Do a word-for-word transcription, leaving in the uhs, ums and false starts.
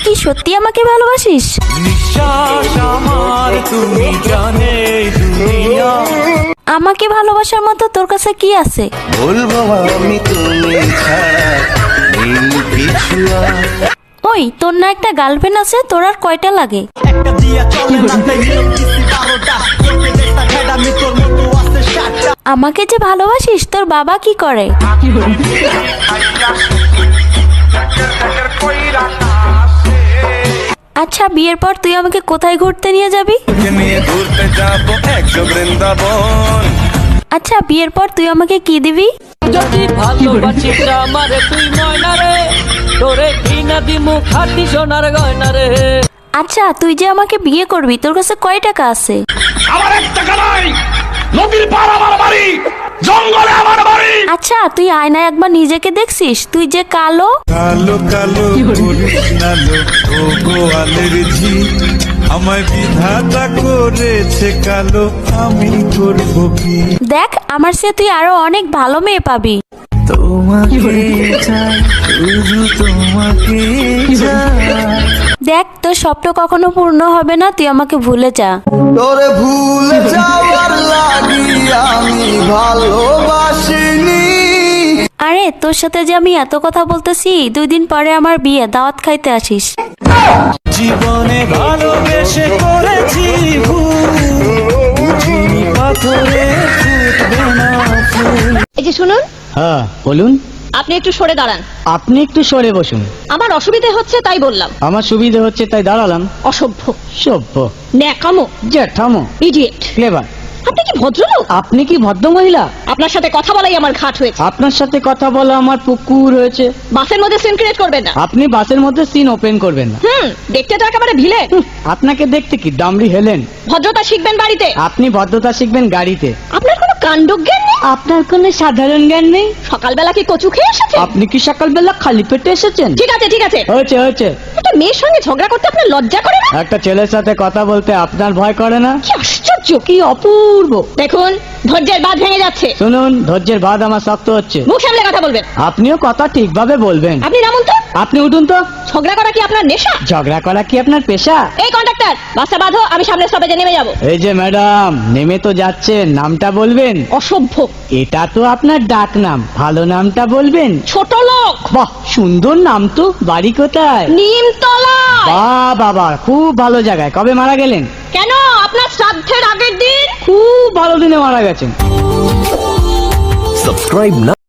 কি সত্যি আমাকে ভালোবাসিস? নিঃশ্বাস আমার তুমি জানে দুনিয়া। আমাকে ভালোবাসার মতো তোর কাছে কি আছে? বলবো আমি তুমি ছাড়া নেই কিছু আর। ওই তোর না একটা গার্লফ্রেন্ড আছে, তোর আর কয়টা লাগে? একটা দিয়া চলে না তাই নিরকিসি বারোটা তোকে দেখতা খেডা মি তোর মতো আছে সাতটা। আমাকে যে ভালোবাসিস, তোর বাবা কি করে? আচ্ছা, বিয়ের পর তুই আমাকে কোথায় ঘুরতে নিয়ে যাবি? নিয়ে ঘুরতে যাবো একশো বৃন্দাবন। আচ্ছা, বিয়ের পর তুই আমাকে কি দিবি? যদি ভালোবাসিস আমারে তুই ময়না রে, তোরে কিনা দিমু খাটি সোনার গয়না রে। আচ্ছা, তুই যে আমাকে বিয়ে করবি, তোর কাছে কয় টাকা আছে? আমার এক টাকা নাই, নদীর পার আমার বাড়ি, জঙ্গলে আমার বাড়ি। আচ্ছা, তুই আয়নায় একবার নিজেকে দেখছিস? তুই যে কালো। কালো কালো করিস না লো ও গোয়ালের ঝি, আমায় বিধাতা করেছে কালো, আমি করব কি? দেখ, আমার সে তুই আরো অনেক ভালো মেয়ে পাবি। তোমাকে চাই, শুধু তোমাকে চাই। দেখ, তোর স্বপ্ন কখনো পূর্ণ হবে না, তুই আমাকে ভুলে যা। তোরে ভুলে যাওয়ার লাগি আমি ভালোবাসিনি। আরে, তোর সাথে যে আমি এত কথা বলতেছি, দুই দিন পরে আমার বিয়ে, দাওয়াত খাইতে আসিস। জীবনে ভালোবেসে করেছি ভুল, বুঝিনি পাথরে ফুটবে না ফুল। এই যে শুনুন, হ্যাঁ বলুন। আপনি একটু সরে দাঁড়ান। আপনি একটু সরে বসুন। আমার অসুবিধে হচ্ছে তাই বললাম। আমার সুবিধে হচ্ছে তাই দাঁড়ালাম। অসভ্য, সভ্য, ন্যাকামো, জ্যাঠামো, ইডিয়েট। ক্লেভার। আপনি কি ভদ্রলোক? আপনি কি ভদ্র মহিলা? আপনার সাথে কথা বলাই আমার ঘাট হয়েছে। আপনার সাথে কথা বলা আমার পুকুর হয়েছে। বাসের মধ্যে সিন ক্রিয়েট করবেন না। আপনি বাসের মধ্যে সিন ওপেন করবেন না। হুম, দেখতে তো একেবারে ভিলে। হুঁ, আপনাকে দেখতে কি ডামরি হেলেন? ভদ্রতা শিখবেন বাড়িতে। আপনি ভদ্রতা শিখবেন গাড়িতে। আপনার কোনো কাণ্ডজ্ঞান নেই। আপনার কোনো সাধারণ জ্ঞান নেই। সকালবেলা কি কচু খেয়ে এসেছেন? আপনি কি সকালবেলা খালি পেটে এসেছেন? ঠিক আছে ঠিক আছে, হয়েছে হয়েছে। একটা মেয়ের সঙ্গে ঝগড়া করতে আপনার লজ্জা করে না? একটা ছেলের সাথে কথা বলতে আপনার ভয় করে না? কি আশ্চর্য, কি অপূর্ব। দেখুন ধৈর্যের বাঁধ ভেঙে যাচ্ছে। শুনুন, ধৈর্যের বাঁধ আমার শক্ত হচ্ছে। মুখ সামলে কথা বলবেন। আপনিও কথা ঠিকভাবে বলবেন। আপনি নামুন তো। আপনি উঠুন তো। ঝগড়া করা কি আপনার নেশা? ঝগড়া করা কি আপনার পেশা? এই কন্ডাক্টর, বাসটা বাঁধো, আমি সামনের স্টপেজে নেমে যাব। এই যে ম্যাডাম, নেমে তো যাচ্ছেন, নামটা বলবেন। অসভ্য, এটা তো আপনার ডাক নাম, ভালো নামটা বলবেন। ছোট লোক। বাহ, সুন্দর নাম তো। বাড়ি কোথায়? নিমতলা। বাহ বাবা, খুব ভালো জায়গায়। কবে মারা গেলেন? কেন, আপনার শ্রাদ্ধের আগের দিন। খুব ভালো দিনে মারা গেছেন। সাবস্ক্রাইব না